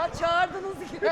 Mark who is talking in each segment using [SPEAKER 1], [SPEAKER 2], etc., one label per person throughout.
[SPEAKER 1] Ya çağırdınız gibi.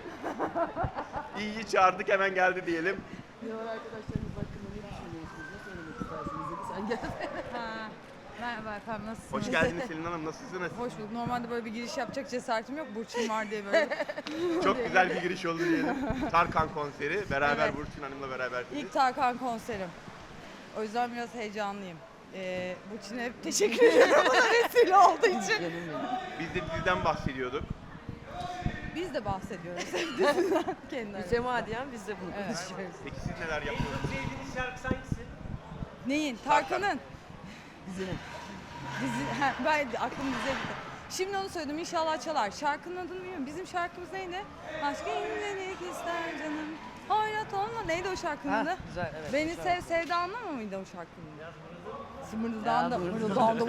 [SPEAKER 2] İyi çağırdık, hemen geldi diyelim.
[SPEAKER 1] Diğer arkadaşlarınız hakkında ne düşünüyorsunuz? Ne söylemek istersiniz dedi. Sen gel.
[SPEAKER 3] Ha, merhaba efendim, nasılsınız?
[SPEAKER 2] Hoş geldiniz Selin Hanım, nasılsınız?
[SPEAKER 3] Hoş bulduk. Normalde böyle bir giriş yapacak cesaretim yok. Burçin var diye böyle.
[SPEAKER 2] Çok güzel bir giriş oldu diyelim. Tarkan konseri, beraber
[SPEAKER 3] Evet.
[SPEAKER 2] Burçin Hanım'la berabersiniz.
[SPEAKER 3] İlk Tarkan konserim. O yüzden biraz heyecanlıyım. Burçin'e hep teşekkür ederim bana vesile olduğu için.
[SPEAKER 1] Canım benim.
[SPEAKER 2] Biz de diziden bahsediyorduk.
[SPEAKER 3] Biz de bahsediyoruz diziden kendileri.
[SPEAKER 1] Mütemadiyen biz de bunu
[SPEAKER 3] Evet.
[SPEAKER 1] konuşuyoruz.
[SPEAKER 2] Peki siz neler yapıyorsunuz?
[SPEAKER 4] Sevdiğiniz şarkısı hangisi?
[SPEAKER 3] Neyin? Tarkan'ın.
[SPEAKER 1] Dizinin.
[SPEAKER 3] Ben aklım dize gitti. Şimdi onu söyledim, inşallah çalar. Şarkının adını bilmiyorum. Bizim şarkımız neydi? Aşk incelik ister canım. Hayrat olma. Neydi o şarkının adı?
[SPEAKER 1] Güzel, evet.
[SPEAKER 3] Beni
[SPEAKER 1] güzel.
[SPEAKER 3] sev sevda anlama mıydı o şarkının?
[SPEAKER 1] Ya,
[SPEAKER 3] Mırıldandı.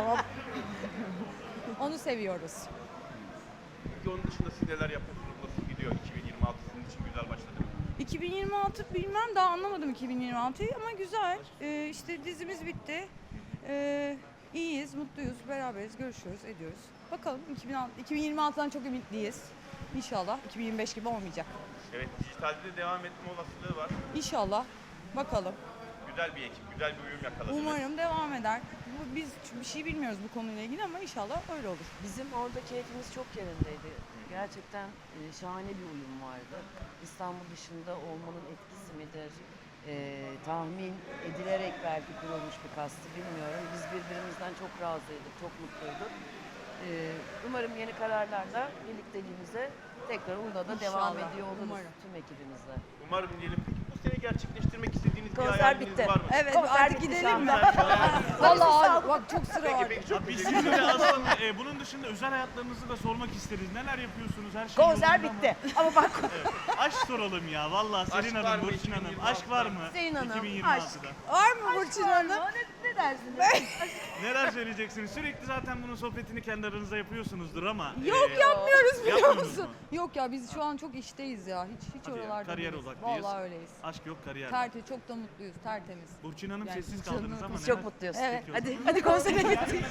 [SPEAKER 3] Onu seviyoruz.
[SPEAKER 2] Peki onun dışında siz neler yapıyorsunuz? Nasıl gidiyor? 2026 sizin için güzel başladı mı?
[SPEAKER 3] 2026 bilmem, daha anlamadım 2026'yı ama güzel. İşte dizimiz bitti. İyiyiz, mutluyuz, beraberiz, görüşüyoruz, ediyoruz. Bakalım 2026'dan çok ümitliyiz. İnşallah 2025 gibi olmayacak.
[SPEAKER 2] Evet, dijitalde de devam etme olasılığı var.
[SPEAKER 3] İnşallah. Bakalım.
[SPEAKER 2] Güzel bir ekip, güzel bir uyum yakaladınız.
[SPEAKER 3] Umarım devam eder. Biz bir şey bilmiyoruz bu konuyla ilgili ama inşallah öyle olur.
[SPEAKER 1] Bizim orada keyfimiz çok yerindeydi. Gerçekten şahane bir uyum vardı. İstanbul dışında olmanın etkisi midir? Tahmin edilerek belki kurulmuş bir kastı bilmiyorum. Biz birbirimizden çok razıydık, çok mutluyduk. Umarım yeni kararlarla birlikteliğimize tekrar onda da devam
[SPEAKER 3] İnşallah,
[SPEAKER 1] ediyor oluruz
[SPEAKER 3] umarım.
[SPEAKER 1] tüm ekibimizle.
[SPEAKER 2] Umarım diyelim. Peki bu sene gerçekleştirmek istediğiniz bir
[SPEAKER 1] Konser
[SPEAKER 2] hayaliniz
[SPEAKER 1] bitti.
[SPEAKER 2] var mı?
[SPEAKER 3] Evet,
[SPEAKER 1] Konser
[SPEAKER 3] artık
[SPEAKER 1] bitti şu
[SPEAKER 3] gidelim mi?
[SPEAKER 1] anda.
[SPEAKER 3] Vallahi bak çok sıra
[SPEAKER 2] Peki,
[SPEAKER 3] var.
[SPEAKER 2] peki çok
[SPEAKER 4] Biz
[SPEAKER 2] teşekkür
[SPEAKER 4] size
[SPEAKER 2] ederim.
[SPEAKER 4] de aslında bunun dışında özel hayatlarınızı da sormak isteriz. Neler yapıyorsunuz? Her şey
[SPEAKER 1] Konser
[SPEAKER 4] yolunda mı?
[SPEAKER 1] bitti. Ama bak
[SPEAKER 4] Aşk soralım ya. Vallahi Selin
[SPEAKER 2] Aşk var
[SPEAKER 4] Hanım,
[SPEAKER 2] mı
[SPEAKER 4] Burçin Hanım.
[SPEAKER 2] 2026'da?
[SPEAKER 4] Aşk var mı?
[SPEAKER 1] Selin Hanım,
[SPEAKER 4] 2026'da.
[SPEAKER 3] Var mı Burçin Hanım?
[SPEAKER 1] ne dersiniz?
[SPEAKER 4] Neler söyleyeceksiniz? Sürekli zaten bunun sohbetini kendi aranızda yapıyorsunuzdur ama.
[SPEAKER 3] Yok yapmıyoruz biliyor
[SPEAKER 4] Yapmıyorsunuz
[SPEAKER 3] musun?
[SPEAKER 4] mu?
[SPEAKER 3] Yok ya, biz şu an çok işteyiz ya. Hiç
[SPEAKER 4] Hadi ya,
[SPEAKER 3] oralarda
[SPEAKER 4] kariyer
[SPEAKER 3] değiliz.
[SPEAKER 4] odaklıyız.
[SPEAKER 3] Vallahi öyleyiz.
[SPEAKER 4] Aşk yok, kariyer.
[SPEAKER 3] Çok da mutluyuz, tertemiz.
[SPEAKER 4] Burçin Hanım
[SPEAKER 3] Yani
[SPEAKER 4] sessiz
[SPEAKER 3] canım,
[SPEAKER 4] kaldınız ama
[SPEAKER 1] Biz
[SPEAKER 4] neler?
[SPEAKER 1] çok mutluyuz.
[SPEAKER 3] Evet,
[SPEAKER 4] Peki o zaman.
[SPEAKER 1] Hadi konsere gittik.